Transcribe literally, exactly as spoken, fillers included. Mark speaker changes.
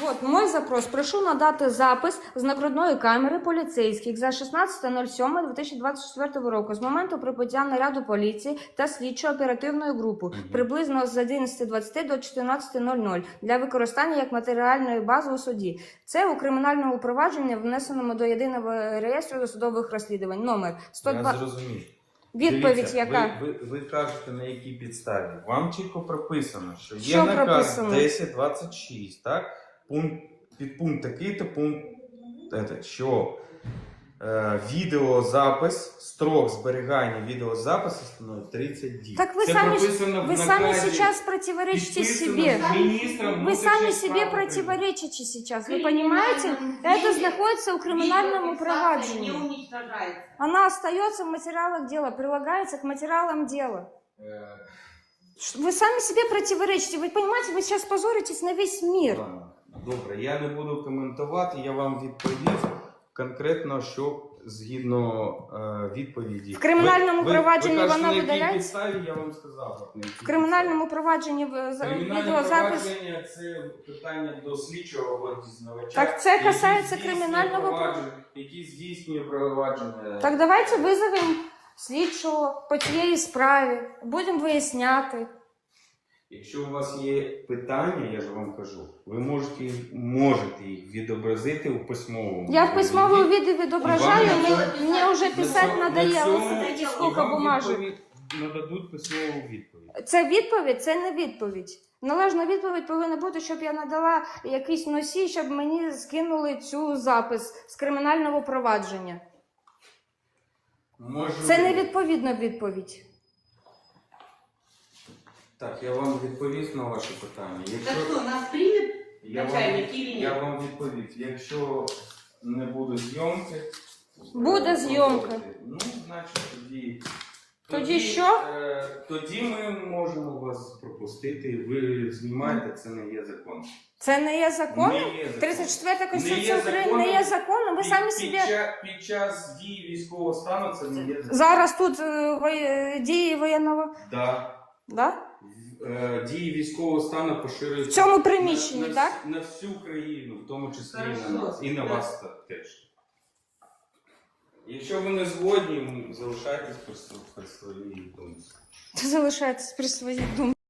Speaker 1: Вот мой запрос. Прошу надати запис з нагрудної камери поліцейських за шістнадцяте сьоме дві тисячі двадцять четвертого року з моменту прибуття наряду поліції та слідчо-оперативної групи
Speaker 2: Мгм.
Speaker 1: приблизно з одинадцяти двадцяти до чотирнадцяти нуль нуль для використання як матеріальної бази у суді. Це у кримінальному провадженні, внесеному до єдиного реєстру досудових розслідувань. Номер сто два.
Speaker 2: Я зрозумів.
Speaker 1: Відповідь
Speaker 2: Дивіться,
Speaker 1: яка?
Speaker 2: Ви, ви, ви кажете, на якій підставі. Вам чітко прописано, що є
Speaker 1: Що
Speaker 2: наказ
Speaker 1: прописано?
Speaker 2: десять двадцять шість, так? Пункт, підпункт такий-то пункт, ете, що е, відеозапис, строк зберігання відеозапису становить тридцять діб.
Speaker 1: Так вы
Speaker 2: Це
Speaker 1: сами,
Speaker 2: прописано в
Speaker 1: вы сами
Speaker 2: наказі,
Speaker 1: сейчас противоречите
Speaker 2: підписано
Speaker 1: себе.
Speaker 2: міністром
Speaker 1: Вы сами
Speaker 2: внутрішніх
Speaker 1: себе
Speaker 2: справ України.
Speaker 1: противоречите сейчас. Вы понимаете? Это находится в криминальном проваджении. Она остается в материалах дела, прилагается к материалам дела.
Speaker 2: Е,
Speaker 1: Вы сами себе противоречите. Вы понимаете, вы сейчас позоритесь на весь мир.
Speaker 2: Ладно, добре, я не буду коментувати, я вам відповів конкретно, що згідно е, відповіді.
Speaker 1: В кримінальному
Speaker 2: ви,
Speaker 1: провадженні
Speaker 2: ви, ви кажете,
Speaker 1: вона
Speaker 2: на якій
Speaker 1: видаляється?
Speaker 2: підставі, я вам сказав. на якій
Speaker 1: В криминальному провадженні в- за-
Speaker 2: підставі. Кримінальне
Speaker 1: відеозапис.
Speaker 2: провадження – це питання до слідчого або дізнавача.
Speaker 1: Так це
Speaker 2: який
Speaker 1: касається
Speaker 2: здійснює
Speaker 1: кримінального
Speaker 2: провадження, який здійснює провадження.
Speaker 1: Так давайте визовемо слідчого по цієї справі. Будемо виясняти.
Speaker 2: Якщо у вас є питання, я ж вам кажу, ви можете, їх- можете їх відобразити у письмовому.
Speaker 1: Я в письмовому
Speaker 2: вигляді.
Speaker 1: виде відображаю,
Speaker 2: І вам
Speaker 1: мне,
Speaker 2: на
Speaker 1: мне уже
Speaker 2: На
Speaker 1: писать
Speaker 2: цьому-
Speaker 1: надоело.
Speaker 2: на цьому-
Speaker 1: Смотрите,
Speaker 2: і
Speaker 1: сколько
Speaker 2: вам
Speaker 1: бумажек.
Speaker 2: відповідь нададуть письмову відповідь.
Speaker 1: Це відповідь, це не відповідь. Належна відповідь повинна бути, щоб я надала якийсь носій, щоб мені скинули цю запис з кримінального провадження.
Speaker 2: Можу...
Speaker 1: Це не відповідна відповідь.
Speaker 2: Так, я вам відповів на ваше питання. Якщо...
Speaker 3: Так что, нас примет
Speaker 2: я, вам...
Speaker 3: начальник или нет?
Speaker 2: я вам відповів. Якщо не буде зйомки...
Speaker 1: Буде
Speaker 2: е,
Speaker 1: зйомка.
Speaker 2: Ну, значить, тоді...
Speaker 1: Тоді що?
Speaker 2: Е, тоді ми можемо вас пропустити. Ви знімаєте, це не є закон.
Speaker 1: Це не є законом?
Speaker 2: Не є законом.
Speaker 1: тридцять четверта
Speaker 2: Не
Speaker 1: Конституція
Speaker 2: є
Speaker 1: України
Speaker 2: законом.
Speaker 1: не є законом. Ви
Speaker 2: Під-
Speaker 1: самі
Speaker 2: під,
Speaker 1: собі...
Speaker 2: ча- під час дії військового стану це не є закон.
Speaker 1: Зараз тут е, воє- дії воєнного...
Speaker 2: Да.
Speaker 1: Да?
Speaker 2: В- е, Дії військового стану поширюються
Speaker 1: В цьому приміщенні,
Speaker 2: на, на,
Speaker 1: так?
Speaker 2: на всю країну, в тому числі і
Speaker 3: Хорошо.
Speaker 2: на нас, і на
Speaker 3: Да.
Speaker 2: вас та- теж. Якщо ви не згодні, залишайтесь при, св- при своїй думці.
Speaker 1: Залишайтесь при своїй думці.